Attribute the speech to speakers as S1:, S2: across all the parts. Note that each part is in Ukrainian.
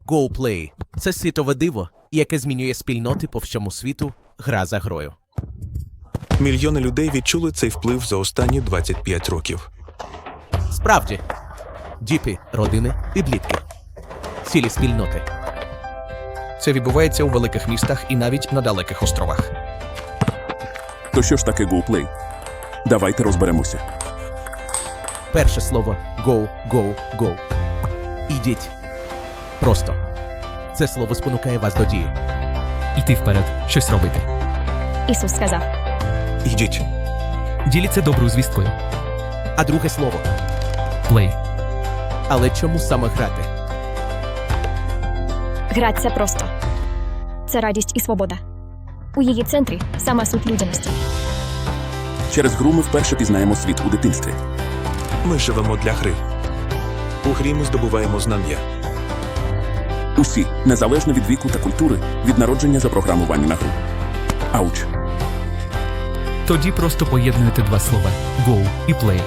S1: GoPlay – це світове диво, яке змінює спільноти по всьому світу гра за грою.
S2: Мільйони людей відчули цей вплив за останні 25 років.
S1: Справді. Діпи, родини, підлітки. Цілі спільноти.
S3: Це відбувається у великих містах і навіть на далеких островах.
S4: То що ж таке GoPlay? Давайте розберемося.
S1: Перше слово «go», «go», «go». Ідіть. Просто. Це слово спонукає вас до дії.
S5: Йти вперед, щось робити.
S6: Ісус сказав.
S2: Ідіть.
S5: Діліться доброю звісткою.
S1: А друге слово.
S5: Плей.
S1: Але чому саме грати?
S6: Грати – це просто. Це радість і свобода. У її центрі – сама суть людяності.
S4: Через гру ми вперше пізнаємо світ у дитинстві.
S2: Ми живемо для гри. У грі ми здобуваємо знання.
S4: Усі, незалежно від віку та культури, від народження запрограмовані на гру. Ауч.
S5: Тоді просто поєднуєте два слова «go» і «play».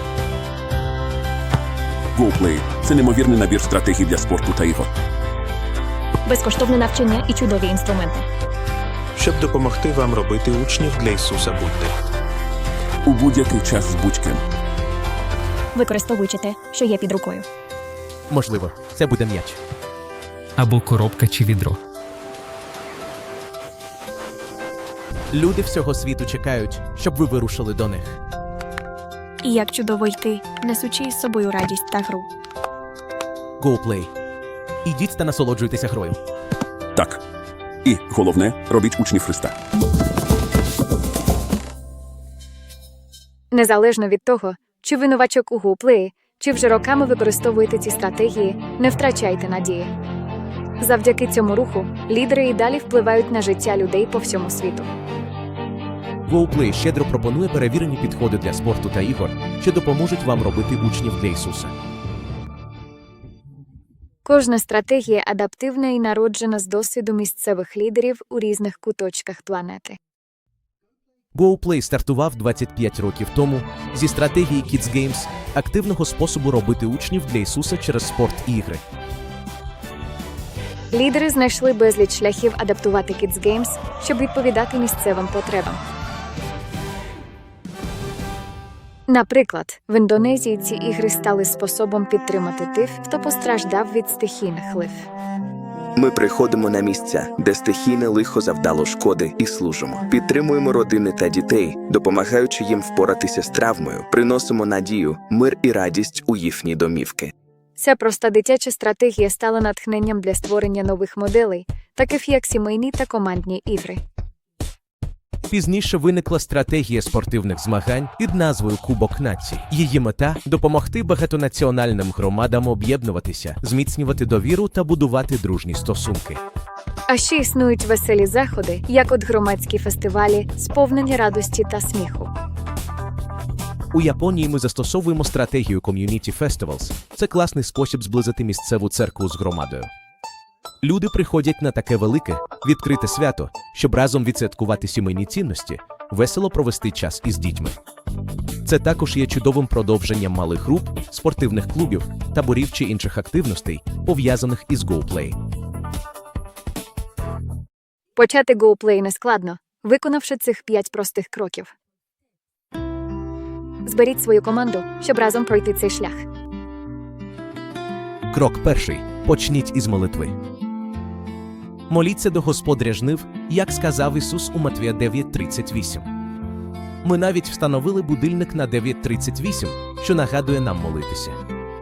S4: GoPlay – це неймовірний набір стратегій для спорту та ігор.
S6: Безкоштовне навчання і чудові інструменти.
S2: Щоб допомогти вам робити учнів для Ісуса будьте.
S4: У будь-який час з будь-ким.
S6: Використовуючи те, що є під рукою.
S1: Можливо, це буде м'яч.
S5: Або коробка чи відро.
S1: Люди всього світу чекають, щоб ви вирушили до них.
S7: І як чудово йти, несучи із собою радість та гру.
S1: GoPlay. Ідіть та насолоджуйтеся грою.
S4: Так. І, головне, робіть учнів Христа.
S8: Незалежно від того, чи ви новачок у GoPlay, чи вже роками використовуєте ці стратегії, не втрачайте надії. Завдяки цьому руху лідери і далі впливають на життя людей по всьому світу.
S1: GoPlay щедро пропонує перевірені підходи для спорту та ігор, що допоможуть вам робити учнів для Ісуса.
S8: Кожна стратегія адаптивна і народжена з досвіду місцевих лідерів у різних куточках планети.
S1: GoPlay стартував 25 років тому зі стратегії Kids Games – активного способу робити учнів для Ісуса через спорт і ігри.
S8: Лідери знайшли безліч шляхів адаптувати Kids Games, щоб відповідати місцевим потребам. Наприклад, в Індонезії ці ігри стали способом підтримати тих, хто постраждав від стихійних лих.
S9: Ми приходимо на місця, де стихійне лихо завдало шкоди, і служимо. Підтримуємо родини та дітей, допомагаючи їм впоратися з травмою, приносимо надію, мир і радість у їхні домівки.
S8: Ця проста дитяча стратегія стала натхненням для створення нових моделей, таких як сімейні та командні ігри.
S1: Пізніше виникла стратегія спортивних змагань під назвою «Кубок націй». Її мета – допомогти багатонаціональним громадам об'єднуватися, зміцнювати довіру та будувати дружні стосунки.
S8: А ще існують веселі заходи, як от громадські фестивалі, сповнені радості та сміху.
S1: У Японії ми застосовуємо стратегію Community Festivals. Це класний спосіб зблизити місцеву церкву з громадою. Люди приходять на таке велике, відкрите свято, щоб разом відсвяткувати сімейні цінності, весело провести час із дітьми. Це також є чудовим продовженням малих груп, спортивних клубів, таборів чи інших активностей, пов'язаних із GoPlay.
S8: Почати GoPlay нескладно, виконавши цих 5 простих кроків. Зберіть свою команду, щоб разом пройти цей шлях.
S1: Крок перший. Почніть із молитви. Моліться до Господаря жнив, як сказав Ісус у Матвія 9:38. Ми навіть встановили будильник на 9:38, що нагадує нам молитися.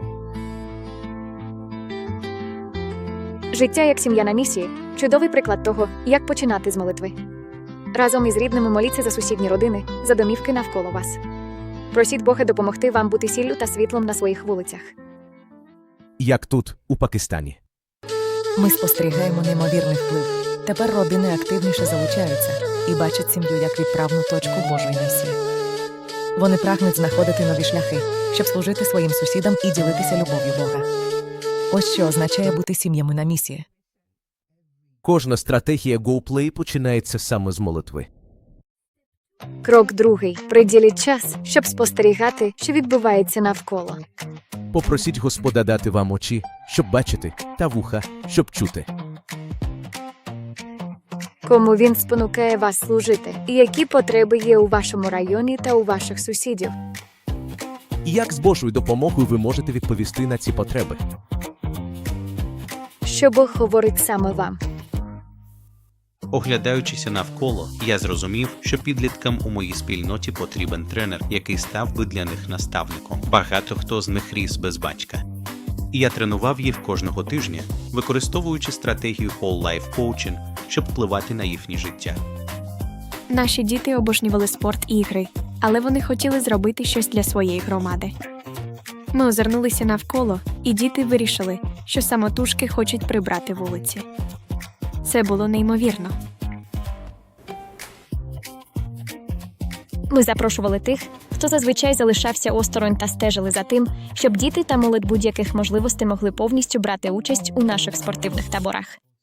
S8: Життя як сім'я на місії – чудовий приклад того, як починати з молитви. Разом із рідними моліться за сусідні родини, за домівки навколо вас. Просіть Бога допомогти вам бути сіллю та світлом на своїх вулицях.
S1: Як тут, у Пакистані.
S10: Ми спостерігаємо неймовірний вплив. Тепер родини активніше залучаються і бачать сім'ю як відправну точку Божої місії. Вони прагнуть знаходити нові шляхи, щоб служити своїм сусідам і ділитися любов'ю Бога. Ось що означає бути сім'ями на місії.
S1: Кожна стратегія GoPlay починається саме з молитви.
S8: Крок другий. Приділіть час, щоб спостерігати, що відбувається навколо.
S1: Попросіть Господа дати вам очі, щоб бачити, та вуха, щоб чути.
S8: Кому він спонукає вас служити? І які потреби є у вашому районі та у ваших сусідів?
S1: І як з Божою допомогою ви можете відповісти на ці потреби?
S8: Що Бог говорить саме вам?
S11: Оглядаючися навколо, я зрозумів, що підліткам у моїй спільноті потрібен тренер, який став би для них наставником. Багато хто з них ріс без батька. І я тренував їх кожного тижня, використовуючи стратегію Whole Life Coaching, щоб впливати на їхнє життя.
S7: Наші діти обожнювали спорт і ігри, але вони хотіли зробити щось для своєї громади. Ми озирнулися навколо, і діти вирішили, що самотужки хочуть прибрати вулиці. Це було неймовірно.
S6: Ми запрошували тих, хто зазвичай залишався осторонь та стежили за тим, щоб діти та молодь будь-яких можливостей могли повністю брати участь у наших спортивних таборах.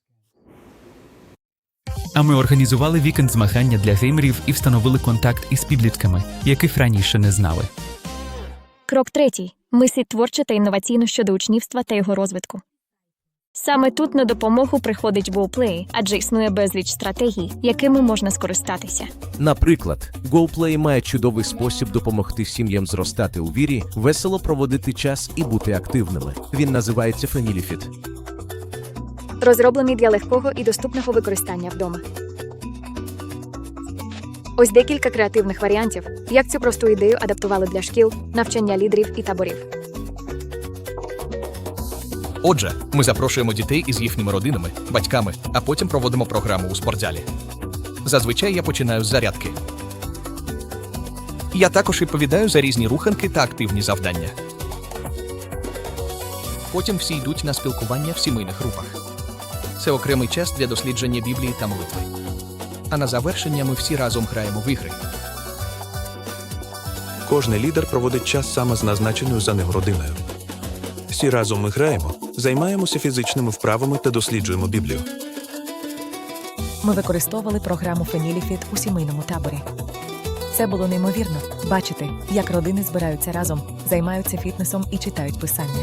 S5: А ми організували вікенд змагання для геймерів і встановили контакт із підлітками, яких раніше не знали.
S6: Крок третій. Мисліть творчо та інноваційно щодо учнівства та його розвитку. Саме тут на допомогу приходить GoPlay, адже існує безліч стратегій, якими можна скористатися.
S1: Наприклад, GoPlay має чудовий спосіб допомогти сім'ям зростати у вірі, весело проводити час і бути активними. Він називається FamilyFit.
S8: Розроблений для легкого і доступного використання вдома. Ось декілька креативних варіантів, як цю просту ідею адаптували для шкіл, навчання лідерів і таборів.
S3: Отже, ми запрошуємо дітей із їхніми родинами, батьками, а потім проводимо програму у спортзалі. Зазвичай я починаю з зарядки. Я також відповідаю за різні руханки та активні завдання. Потім всі йдуть на спілкування в сімейних групах. Це окремий час для дослідження Біблії та молитви. А на завершення ми всі разом граємо в ігри.
S2: Кожний лідер проводить час саме з назначеною за ним родиною. Всі разом ми граємо, займаємося фізичними вправами та досліджуємо Біблію.
S10: Ми використовували програму FamilyFit у сімейному таборі. Це було неймовірно бачити, як родини збираються разом, займаються фітнесом і читають писання.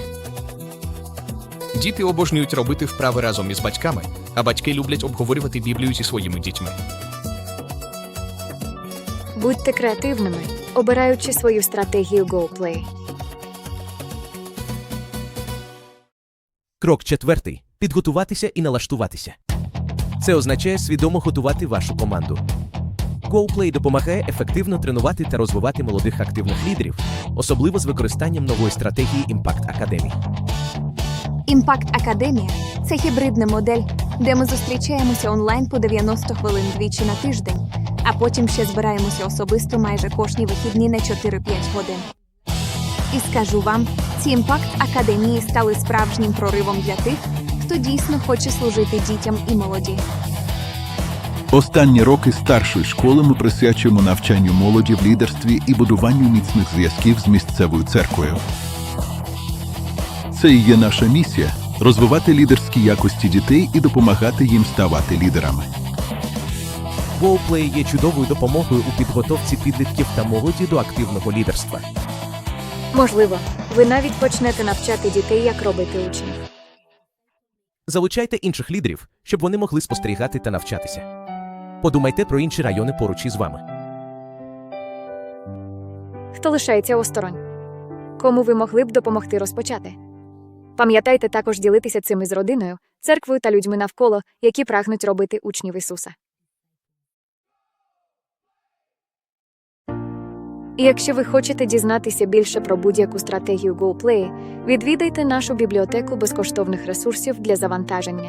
S3: Діти обожнюють робити вправи разом із батьками, а батьки люблять обговорювати Біблію зі своїми дітьми.
S8: Будьте креативними, обираючи свою стратегію GoPlay.
S1: Крок четвертий. Підготуватися і налаштуватися. Це означає свідомо готувати вашу команду. GoPlay допомагає ефективно тренувати та розвивати молодих активних лідерів, особливо з використанням нової стратегії Impact Academy.
S12: Impact Academy – це гібридна модель, де ми зустрічаємося онлайн по 90 хвилин двічі на тиждень, а потім ще збираємося особисто майже кожні вихідні на 4-5 годин. І скажу вам, ці Impact Академії стали справжнім проривом для тих, хто дійсно хоче служити дітям і молоді.
S13: Останні роки старшої школи ми присвячуємо навчанню молоді в лідерстві і будуванню міцних зв'язків з місцевою церквою. Це і є наша місія – розвивати лідерські якості дітей і допомагати їм ставати лідерами.
S1: GoPlay є чудовою допомогою у підготовці підлітків та молоді до активного лідерства.
S8: Можливо, ви навіть почнете навчати дітей, як робити учнів.
S1: Залучайте інших лідерів, щоб вони могли спостерігати та навчатися. Подумайте про інші райони поруч із вами.
S8: Хто лишається осторонь? Кому ви могли б допомогти розпочати? Пам'ятайте також ділитися цим із родиною, церквою та людьми навколо, які прагнуть робити учнів Ісуса. І якщо ви хочете дізнатися більше про будь-яку стратегію GoPlay, відвідайте нашу бібліотеку безкоштовних ресурсів для завантаження.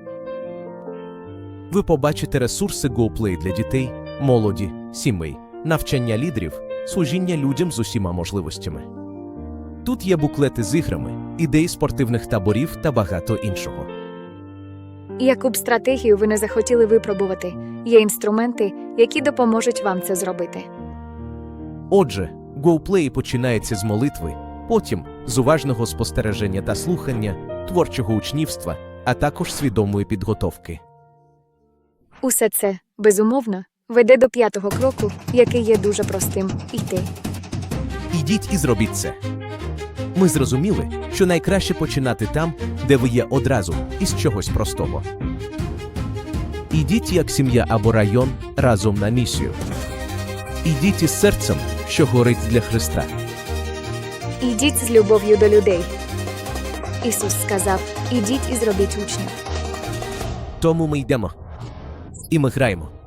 S1: Ви побачите ресурси GoPlay для дітей, молоді, сімей, навчання лідерів, служіння людям з усіма можливостями. Тут є буклети з іграми, ідеї спортивних таборів та багато іншого.
S8: І яку б стратегію ви не захотіли випробувати, є інструменти, які допоможуть вам це зробити.
S1: Отже, GoPlay починається з молитви, потім з уважного спостереження та слухання, творчого учнівства, а також свідомої підготовки.
S8: Усе це, безумовно, веде до 5-го кроку, який є дуже простим – йти.
S1: Ідіть і зробіть це. Ми зрозуміли, що найкраще починати там, де ви є одразу, із чогось простого. Ідіть як сім'я або район разом на місію. Ідіть із серцем, що горить для Христа.
S8: Ідіть з любов'ю до людей. Ісус сказав: ідіть і зробіть учнів.
S1: Тому ми йдемо. І ми граємо.